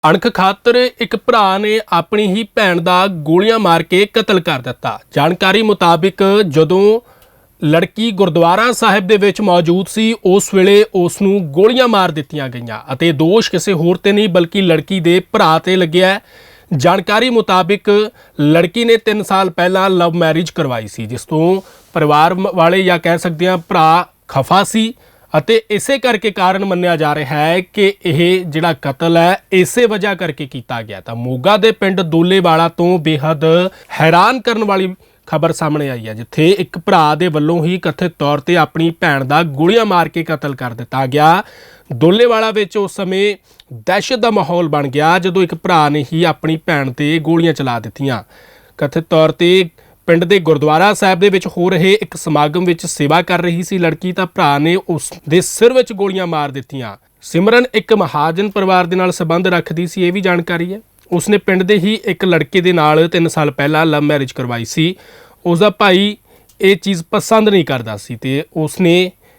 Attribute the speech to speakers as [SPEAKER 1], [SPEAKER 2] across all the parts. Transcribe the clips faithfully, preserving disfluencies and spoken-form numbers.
[SPEAKER 1] ਅਣਖ ਖਾਤਰ ਇੱਕ ਭਰਾ ਨੇ ਆਪਣੀ ਹੀ ਭੈਣ ਦਾ ਗੋਲੀਆਂ ਮਾਰ ਕੇ ਕਤਲ ਕਰ ਦਿੱਤਾ। ਜਾਣਕਾਰੀ ਮੁਤਾਬਿਕ ਜਦੋਂ ਲੜਕੀ ਗੁਰਦੁਆਰਾ ਸਾਹਿਬ ਦੇ ਵਿੱਚ ਮੌਜੂਦ ਸੀ ਉਸ ਵੇਲੇ ਉਸ ਨੂੰ ਗੋਲੀਆਂ ਮਾਰ ਦਿੱਤੀਆਂ ਗਈਆਂ ਅਤੇ ਦੋਸ਼ ਕਿਸੇ ਹੋਰ ਤੇ ਨਹੀਂ ਬਲਕਿ ਲੜਕੀ ਦੇ ਭਰਾ ਤੇ ਲੱਗਿਆ। ਜਾਣਕਾਰੀ ਮੁਤਾਬਿਕ ਲੜਕੀ ਨੇ ਤਿੰਨ ਸਾਲ ਪਹਿਲਾਂ ਲਵ ਮੈਰਿਜ ਕਰਵਾਈ ਸੀ, ਜਿਸ ਤੋਂ ਪਰਿਵਾਰ ਵਾਲੇ ਜਾਂ ਕਹਿ ਸਕਦੇ ਹਾਂ ਭਰਾ ਖਫਾ ਸੀ ਅਤੇ ਇਸੇ ਕਰਕੇ ਕਾਰਨ ਮੰਨਿਆ ਜਾ ਰਿਹਾ ਹੈ ਕਿ ਇਹ ਜਿਹੜਾ ਕਤਲ ਹੈ ਇਸੇ ਵਜ੍ਹਾ ਕਰਕੇ ਕੀਤਾ ਗਿਆ। ਤਾਂ ਮੋਗਾ ਦੇ ਪਿੰਡ ਦੋਲੇਵਾਲਾ ਤੋਂ ਬੇਹੱਦ ਹੈਰਾਨ ਕਰਨ ਵਾਲੀ ਖਬਰ ਸਾਹਮਣੇ ਆਈ ਹੈ, ਜਿੱਥੇ ਇੱਕ ਭਰਾ ਦੇ ਵੱਲੋਂ ਹੀ ਕਥਿਤ ਤੌਰ ਤੇ ਆਪਣੀ ਭੈਣ ਦਾ ਗੋਲੀਆਂ ਮਾਰ ਕੇ ਕਤਲ ਕਰ ਦਿੱਤਾ ਗਿਆ। ਦੋਲੇਵਾਲਾ ਵਿੱਚ ਉਸ ਸਮੇਂ ਦਹਿਸ਼ਤ ਦਾ ਮਾਹੌਲ ਬਣ ਗਿਆ ਜਦੋਂ ਇੱਕ ਭਰਾ ਨੇ ਹੀ ਆਪਣੀ ਭੈਣ ਤੇ ਗੋਲੀਆਂ ਚਲਾ ਦਿੱਤੀਆਂ। ਕਥਿਤ ਤੌਰ ਤੇ ਪਿੰਡ ਦੇ ਗੁਰਦੁਆਰਾ ਸਾਹਿਬ ਦੇ ਵਿੱਚ ਹੋ ਰਹੇ ਇੱਕ ਸਮਾਗਮ ਵਿੱਚ ਸੇਵਾ ਕਰ ਰਹੀ ਸੀ ਲੜਕੀ, ਤਾਂ ਭਰਾ ਨੇ ਉਸ ਦੇ ਸਿਰ ਵਿੱਚ ਗੋਲੀਆਂ ਮਾਰ ਦਿੱਤੀਆਂ। ਸਿਮਰਨ ਇੱਕ ਮਹਾਜਨ ਪਰਿਵਾਰ ਦੇ ਨਾਲ ਸੰਬੰਧ ਰੱਖਦੀ ਸੀ, ਇਹ ਵੀ ਜਾਣਕਾਰੀ ਹੈ। ਉਸਨੇ ਪਿੰਡ ਦੇ ਹੀ ਇੱਕ ਲੜਕੇ ਦੇ ਨਾਲ ਤਿੰਨ ਸਾਲ ਪਹਿਲਾਂ ਲਵ ਮੈਰਿਜ ਕਰਵਾਈ ਸੀ। ਉਸਦਾ ਭਾਈ ਇਹ ਚੀਜ਼ ਪਸੰਦ ਨਹੀਂ ਕਰਦਾ ਸੀ ਤੇ ਉਸਨੇ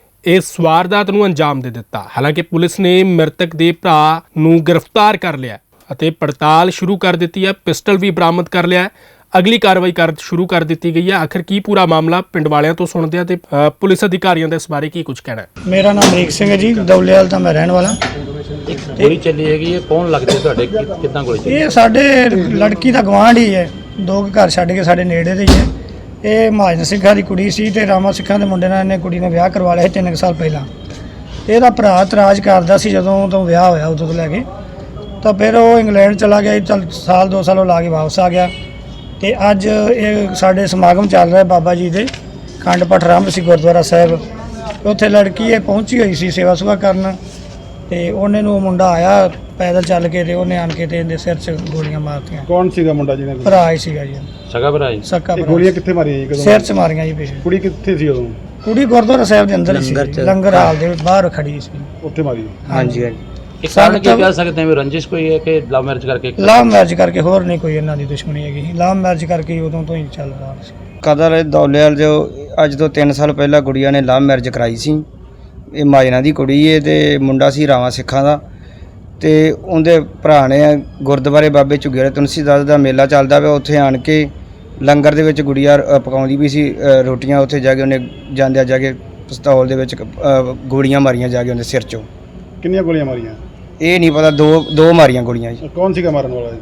[SPEAKER 1] ਇਸ ਵਾਰਦਾਤ ਨੂੰ ਅੰਜਾਮ ਦੇ ਦਿੱਤਾ। ਹਾਲਾਂਕਿ ਪੁਲਿਸ ਨੇ ਮ੍ਰਿਤਕ ਦੇ ਭਰਾ ਨੂੰ ਗ੍ਰਿਫਤਾਰ ਕਰ ਲਿਆ ਅਤੇ ਪੜਤਾਲ ਸ਼ੁਰੂ ਕਰ ਦਿੱਤੀ ਹੈ। ਪਿਸਟਲ ਵੀ ਬਰਾਮਦ ਕਰ ਲਿਆ। ਅਗਲੀ ਕਾਰਵਾਈ ਕਰ ਸ਼ੁਰੂ ਕਰ ਦਿੱਤੀ ਗਈ ਹੈ। ਆਖਿਰ ਕੀ ਪੂਰਾ ਮਾਮਲਾ ਪਿੰਡ ਵਾਲਿਆਂ ਤੋਂ ਸੁਣਦੇ ਆ ਤੇ ਪੁਲਿਸ ਅਧਿਕਾਰੀਆਂ ਦਾ ਇਸ ਬਾਰੇ ਕੀ ਕੁਝ ਕਹਿਣਾ ਹੈ।
[SPEAKER 2] ਮੇਰਾ ਨਾਮ ਅਮਰੀਕ ਸਿੰਘ ਹੈ ਜੀ, ਦੌਲੇਵਾਲ ਦਾ ਮੈਂ ਰਹਿਣ ਵਾਲਾ।
[SPEAKER 3] ਇੱਕ ਗੋਲੀ ਚੱਲੀ ਹੈਗੀ, ਇਹ ਕੌਣ ਲੱਗਦੇ ਤੁਹਾਡੇ, ਕਿੱਦਾਂ ਗੋਲੀ ਚੱਲੀ?
[SPEAKER 2] ਇਹ ਸਾਡੇ ਲੜਕੀ ਦਾ ਗਵਾਂਢ ਹੀ ਹੈ, ਦੋ ਘਰ ਛੱਡ ਕੇ ਸਾਡੇ ਨੇੜੇ ਦੇ ਹੀ ਹੈ। ਇਹ ਮਹਾਜਨ ਸਿੰਘਾਂ ਦੀ ਕੁੜੀ ਸੀ ਤੇ ਰਾਮਾ ਸਿੰਘਾਂ ਦੇ ਮੁੰਡੇ ਨਾਲ ਇਹਨੇ ਕੁੜੀ ਨੇ ਵਿਆਹ ਕਰਵਾ ਲਿਆ ਸੀ ਤਿੰਨ ਸਾਲ ਪਹਿਲਾਂ। ਇਹਦਾ ਭਰਾ ਇਤਰਾਜ਼ ਕਰਦਾ ਸੀ ਜਦੋਂ ਤੋਂ ਵਿਆਹ ਹੋਇਆ ਉਦੋਂ ਤੋਂ ਲੈ ਕੇ, ਤਾਂ ਫਿਰ ਉਹ ਇੰਗਲੈਂਡ ਚਲਾ ਗਿਆ। ਚੱਲ ਸਾਲ ਦੋ ਸਾਲ ਉਹ ਲਾ ਕੇ ਵਾਪਸ ਆ ਗਿਆ ਤੇ ਅੱਜ ਇਹ ਸਾਡੇ ਸਮਾਗਮ ਚੱਲ ਰਿਹਾ ਬਾਬਾ ਜੀ ਦੇ ਖੰਡ ਪਾਠ ਆਰੰਭ ਸੀ ਗੁਰਦੁਆਰਾ ਸਾਹਿਬ। ਉੱਥੇ ਲੜਕੀ ਇਹ ਪਹੁੰਚੀ ਹੋਈ ਸੀ ਸੇਵਾ ਸੁਭਾ ਕਰਨ ਤੇ ਉਹਨੇ ਨੂੰ ਮੁੰਡਾ ਆਇਆ ਪੈਦਲ ਚੱਲ ਕੇ ਤੇ ਉਹਨੇ ਆਣ ਕੇ ਤੇ ਇਹਦੇ ਸਿਰ 'ਚ ਗੋਲੀਆਂ ਮਾਰਤੀਆਂ।
[SPEAKER 4] ਕੌਣ ਸੀਗਾ ਮੁੰਡਾ ਜਿਹਨੇ?
[SPEAKER 2] ਭਰਾ ਹੀ ਸੀਗਾ ਜੀ,
[SPEAKER 3] ਸਗਾ ਭਰਾ ਜੀ।
[SPEAKER 2] ਸਕਾ ਭਰਾ।
[SPEAKER 4] ਗੋਲੀਆਂ ਕਿੱਥੇ ਮਾਰੀਆਂ ਜੀ? ਕਦੋਂ?
[SPEAKER 2] ਸਿਰ 'ਚ ਮਾਰੀਆਂ ਜੀ ਪਿੱਛੇ।
[SPEAKER 4] ਕੁੜੀ ਕਿੱਥੇ ਸੀ ਉਦੋਂ?
[SPEAKER 2] ਕੁੜੀ ਗੁਰਦੁਆਰਾ ਸਾਹਿਬ ਦੇ ਅੰਦਰ ਹੀ ਸੀ, ਲੰਗਰ ਹਾਲ ਦੇ ਬਾਹਰ ਖੜੀ ਸੀ।
[SPEAKER 4] ਉੱਥੇ ਮਾਰੀ?
[SPEAKER 2] ਹਾਂਜੀ ਹਾਂਜੀ।
[SPEAKER 3] ਇਹ ਕਾਰਨ ਕੀ ਕਹਿ ਸਕਦੇ ਹਾਂ, ਰੰਜਿਸ਼ ਕੋਈ ਹੈ ਕਿ ਲਵ ਮੈਰਿਜ ਕਰਕੇ?
[SPEAKER 2] ਲਵ ਮੈਰਿਜ ਕਰਕੇ, ਹੋਰ ਨਹੀਂ ਕੋਈ ਇਹਨਾਂ ਦੀ ਦੁਸ਼ਮਣੀ ਹੈਗੀ। ਲਵ ਮੈਰਿਜ ਕਰਕੇ ਉਦੋਂ ਤੋਂ ਹੀ ਚੱਲ ਰਿਹਾ ਸੀ
[SPEAKER 5] ਕਤਲ। ਦੌਲੇਵਾਲ ਜੋ ਅੱਜ ਤੋਂ ਤਿੰਨ ਸਾਲ ਪਹਿਲਾਂ ਗੁੜੀਆਂ ਨੇ ਲਵ ਮੈਰਿਜ ਕਰਾਈ ਸੀ। ਇਹ ਮਾਜਨਾ ਦੀ ਕੁੜੀ ਹੈ ਤੇ ਮੁੰਡਾ ਸੀ ਰਾਵਾਂ ਸਿੱਖਾਂ ਦਾ। ਤੇ ਉਹਦੇ ਭਰਾ ਨੇ ਗੁਰਦੁਆਰੇ ਬਾਬੇ ਝੁੱਗੀਆਂ ਤੁਲਸੀਦਾਸ ਦਾ ਮੇਲਾ ਚੱਲਦਾ ਪਿਆ, ਉੱਥੇ ਆਣ ਕੇ ਲੰਗਰ ਦੇ ਵਿੱਚ ਗੁੜੀਆ ਪਕਾਉਂਦੀ ਵੀ ਸੀ ਰੋਟੀਆਂ। ਉੱਥੇ ਜਾ ਕੇ ਉਹਨੇ ਜਾਂਦਿਆਂ ਜਾ ਕੇ ਪਿਸਤੌਲ ਦੇ ਵਿੱਚ ਗੋਲੀਆਂ ਮਾਰੀਆਂ ਜਾ ਕੇ ਉਹਦੇ ਸਿਰ 'ਚੋਂ।
[SPEAKER 4] ਕਿੰਨੀਆਂ ਗੋਲੀਆਂ ਮਾਰੀਆਂ?
[SPEAKER 5] ਇਹ ਨਹੀਂ ਪਤਾ, ਦੋ ਦੋ ਮਾਰੀਆਂ ਗੋਲੀਆਂ ਜੀ।
[SPEAKER 4] ਕੌਣ ਸੀਗਾ ਮਾਰਨ ਵਾਲਾ ਜੀ?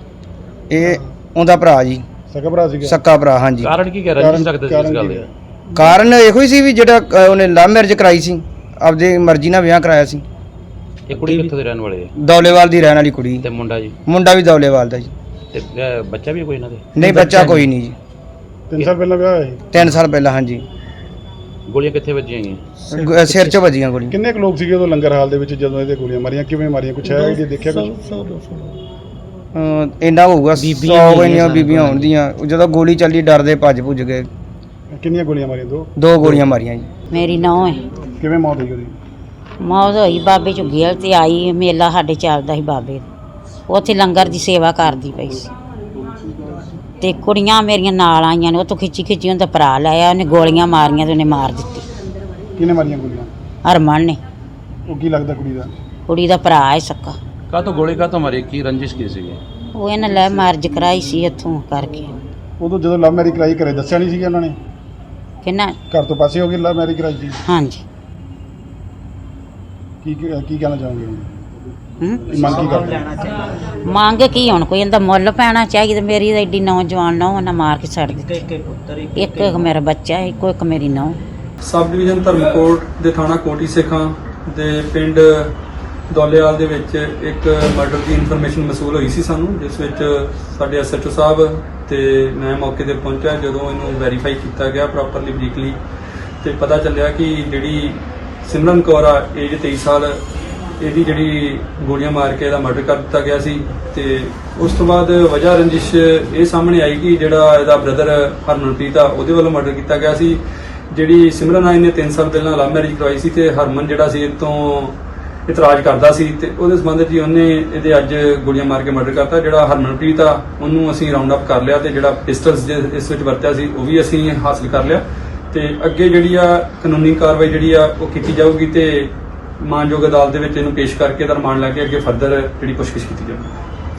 [SPEAKER 5] ਇਹ ਉਹਦਾ ਭਰਾ ਜੀ,
[SPEAKER 4] ਸਕਾ ਭਰਾ ਸੀਗਾ?
[SPEAKER 5] ਸਕਾ ਭਰਾ, ਹਾਂਜੀ।
[SPEAKER 3] ਕਾਰਨ ਕੀ ਕਹਿ ਰੰਜਿਸ਼ ਰੱਖਦੇ ਸੀ ਇਸ ਗੱਲ ਦੇ?
[SPEAKER 5] ਕਾਰਨ ਇਹੋ ਹੀ ਸੀ ਵੀ ਜਿਹੜਾ ਉਹਨੇ ਲਵ ਮੈਰਿਜ ਕਰਾਈ ਸੀ, ਆਪਦੀ ਮਰਜ਼ੀ ਨਾਲ ਵਿਆਹ ਕਰਾਇਆ ਸੀ।
[SPEAKER 3] ਇਹ ਕੁੜੀ ਕਿੱਥੋਂ ਦੇ ਰਹਿਣ ਵਾਲੇ ਹੈ?
[SPEAKER 5] ਦੌਲੇਵਾਲ ਦੀ ਰਹਿਣ ਵਾਲੀ ਕੁੜੀ।
[SPEAKER 3] ਤੇ ਮੁੰਡਾ ਜੀ?
[SPEAKER 5] ਮੁੰਡਾ ਵੀ ਦੌਲੇਵਾਲ ਦਾ ਜੀ।
[SPEAKER 3] ਤੇ ਬੱਚਾ ਵੀ ਕੋਈ ਇਹਨਾਂ ਦੇ?
[SPEAKER 5] ਨਹੀਂ, ਬੱਚਾ ਕੋਈ ਨਹੀਂ ਜੀ।
[SPEAKER 4] ਤਿੰਨ ਸਾਲ ਪਹਿਲਾਂ ਵਿਆਹ ਹੋਇਆ ਸੀ?
[SPEAKER 5] ਤਿੰਨ ਸਾਲ ਪਹਿਲਾਂ, ਹਾਂਜੀ।
[SPEAKER 3] ਗੋਲੀਆਂ ਕਿੱਥੇ ਵੱਜੀਆਂ ਗਈਆਂ?
[SPEAKER 5] ਸਿਰ 'ਚ ਵੱਜੀਆਂ ਗੋਲੀਆਂ।
[SPEAKER 4] ਕਿੰਨੇ ਕੁ ਲੋਕ ਸੀਗੇ ਉਦੋਂ ਲੰਗਰ ਹਾਲ ਦੇ ਵਿੱਚ ਜਦੋਂ ਇਹਦੇ ਗੋਲੀਆਂ ਮਾਰੀਆਂ? ਕਿਵੇਂ ਮਾਰੀਆਂ, ਕੁਛ ਹੈ ਜੀ ਦੇਖਿਆ ਕੁਛ?
[SPEAKER 5] ਇੰਨਾ ਹੋਊਗਾ, ਸੌ ਇੰਨੀਆਂ ਬੀਬੀਆਂ ਹੋਣਦੀਆਂ। ਜਦੋਂ ਗੋਲੀ ਚੱਲੀ ਡਰਦੇ ਭੱਜ ਭੁੱਜ ਗਏ।
[SPEAKER 4] ਕਿੰਨੀਆਂ ਗੋਲੀਆਂ ਮਾਰੀਆਂ? ਦੋ
[SPEAKER 5] ਦੋ ਗੋਲੀਆਂ ਮਾਰੀਆਂ ਜੀ।
[SPEAKER 6] ਮੇਰੀ ਨੌਂ ਹੈ।
[SPEAKER 4] ਕਿਵੇਂ ਮੌਤ ਹੋਈ ਉਹਦੀ?
[SPEAKER 6] ਮੌਤ ਹੋਈ ਬਾਬੇ ਝੁੱਗੀਆਂ ਤੇ ਆਈ, ਮੇਲਾ ਸਾਡੇ ਚੱਲਦਾ ਸੀ ਬਾਬੇ ਦਾ, ਉੱਥੇ ਲੰਗਰ ਦੀ ਸੇਵਾ ਕਰਦੀ ਪਈ ਸੀ ਤੇ ਕੁੜੀਆਂ ਮੇਰੀਆਂ ਨਾਲ ਆਈਆਂ ਨੇ। ਉਹ ਤੋਂ ਖਿੱਚੀ ਖਿੱਚੀ ਉਹਦਾ ਭਰਾ ਲਾਇਆ, ਉਹਨੇ ਗੋਲੀਆਂ ਮਾਰੀਆਂ ਤੇ ਉਹਨੇ ਮਾਰ ਦਿੱਤੀ।
[SPEAKER 4] ਕਿਹਨੇ ਮਾਰੀਆਂ ਗੋਲੀਆਂ?
[SPEAKER 6] ਹਰਮਨ ਨੇ।
[SPEAKER 4] ਉਹ ਕੀ ਲੱਗਦਾ ਕੁੜੀ ਦਾ?
[SPEAKER 6] ਕੁੜੀ ਦਾ ਭਰਾ ਹੈ ਸਕਾ।
[SPEAKER 3] ਕਾਹਤੋਂ ਗੋਲੀ ਕਾਹਤੋਂ ਮਾਰੀ? ਕੀ ਰੰਜਿਸ਼ ਕੀ ਸੀਗੀ?
[SPEAKER 6] ਉਹ ਇਹਨੇ ਲੈ ਮੈਰਿਜ ਕਰਾਈ ਸੀ ਇੱਥੋਂ ਕਰਕੇ।
[SPEAKER 4] ਉਦੋਂ ਜਦੋਂ ਲਵ ਮੈਰਿਜ ਕਰਾਈ ਘਰੇ ਦੱਸਿਆ ਨਹੀਂ ਸੀਗਾ ਉਹਨਾਂ ਨੇ?
[SPEAKER 6] ਕਿੰਨਾ?
[SPEAKER 4] ਘਰ ਤੋਂ ਪਾਸੇ ਹੋ ਗਈ ਲਵ ਮੈਰਿਜ ਕਰਾਈ ਸੀ?
[SPEAKER 6] ਹਾਂਜੀ।
[SPEAKER 4] ਕੀ ਕੀ ਕਹਿਣਾ ਚਾਹੋਗੇ?
[SPEAKER 6] ਹੂੰ,
[SPEAKER 4] ਮੰਗ ਕੀ ਕਰਦੇ?
[SPEAKER 6] ਮੰਗ ਕੀ ਹੁਣ, ਕੋਈ ਇਹਦਾ ਮੁੱਲ ਪੈਣਾ ਚਾਹੀਦਾ। ਮੇਰੀ ਤਾਂ ਐਡੀ ਨੌਜਵਾਨ ਨੌਂ ਉਹਨਾਂ ਮਾਰ ਕੇ ਛੱਡ ਦਿੱਤੀ। ਇੱਕ ਇੱਕ ਮੇਰਾ ਬੱਚਾ, ਇੱਕੋ ਇੱਕ ਮੇਰੀ ਨੌਂ।
[SPEAKER 7] ਸਬ ਡਿਵੀਜ਼ਨ ਧਰਮਕੋਟ ਦੇ ਥਾਣਾ ਕੋਟੀ ਸਿੱਖਾਂ ਦੇ ਪਿੰਡ ਦੌਲੇਵਾਲ ਦੇ ਵਿੱਚ ਇੱਕ ਮਰਡਰ ਦੀ ਇਨਫੋਰਮੇਸ਼ਨ ਮਸੂਲ ਹੋਈ ਸੀ ਸਾਨੂੰ, ਜਿਸ ਵਿੱਚ ਸਾਡੇ ਐਸ ਐਚ ਓ ਸਾਹਿਬ ਤੇ ਮੈਂ ਮੌਕੇ ਤੇ ਪਹੁੰਚਿਆ। ਜਦੋਂ ਇਹਨੂੰ ਵੈਰੀਫਾਈ ਕੀਤਾ ਗਿਆ ਪ੍ਰੋਪਰਲੀ ਬਰੀਕਲੀ ਤੇ ਪਤਾ ਚੱਲਿਆ ਕਿ ਜਿਹੜੀ ਸਿਮਰਨ ਕੌਰ ਆ, ਏਜ ਤੇਈ ਸਾਲ, ਇਹਦੀ ਜਿਹੜੀ ਗੋਲੀਆਂ ਮਾਰ ਕੇ ਇਹਦਾ ਮਰਡਰ ਕਰ ਦਿੱਤਾ ਗਿਆ ਸੀ। ਤੇ ਉਸ ਤੋਂ ਬਾਅਦ ਵਜ੍ਹਾ ਰੰਜਿਸ਼ ਇਹ ਸਾਹਮਣੇ ਆਈ ਕਿ ਜਿਹੜਾ ਇਹਦਾ ਬ੍ਰਦਰ ਹਰਮਨਪ੍ਰੀਤ ਆ, ਉਹਦੇ ਵੱਲੋਂ ਮਰਡਰ ਕੀਤਾ ਗਿਆ ਸੀ। ਜਿਹੜੀ ਸਿਮਰਨ ਆ, ਇਹਨੇ ਤਿੰਨ ਸਾਲ ਪਹਿਲਾਂ ਲਵ ਮੈਰਿਜ ਕਰਵਾਈ ਸੀ ਤੇ ਹਰਮਨ ਜਿਹੜਾ ਸੀ ਇਹ ਤੋਂ ਇਤਰਾਜ਼ ਕਰਦਾ ਸੀ ਤੇ ਉਹਦੇ ਸੰਬੰਧ 'ਚ ਉਹਨੇ ਇਹਦੇ ਅੱਜ ਗੋਲੀਆਂ ਮਾਰ ਕੇ ਮਰਡਰ ਕਰਤਾ। ਜਿਹੜਾ ਹਰਮਨਪ੍ਰੀਤ ਆ, ਉਹਨੂੰ ਅਸੀਂ ਰਾਉਂਡ ਅਪ ਕਰ ਲਿਆ ਤੇ ਜਿਹੜਾ ਪਿਸਟਲਸ ਇਸ ਵਿੱਚ ਵਰਤਿਆ ਸੀ ਉਹ ਵੀ ਅਸੀਂ ਹਾਸਲ ਕਰ ਲਿਆ ਤੇ ਅੱਗੇ ਜਿਹੜੀ ਆ ਕਾਨੂੰਨੀ ਕਾਰਵਾਈ ਜਿਹੜੀ ਆ ਉਹ ਕੀਤੀ ਜਾਊਗੀ ਤੇ ਮਾਨਯੋਗ ਅਦਾਲਤ ਦੇ ਵਿੱਚ ਇਹਨੂੰ ਪੇਸ਼ ਕਰਕੇ ਇਹਦਾ ਰਿਮਾਂਡ ਲੈ ਕੇ ਅੱਗੇ ਫਰਦਰ ਜਿਹੜੀ ਪੁੱਛਗਿੱਛ ਕੀਤੀ ਜਾਊਗੀ।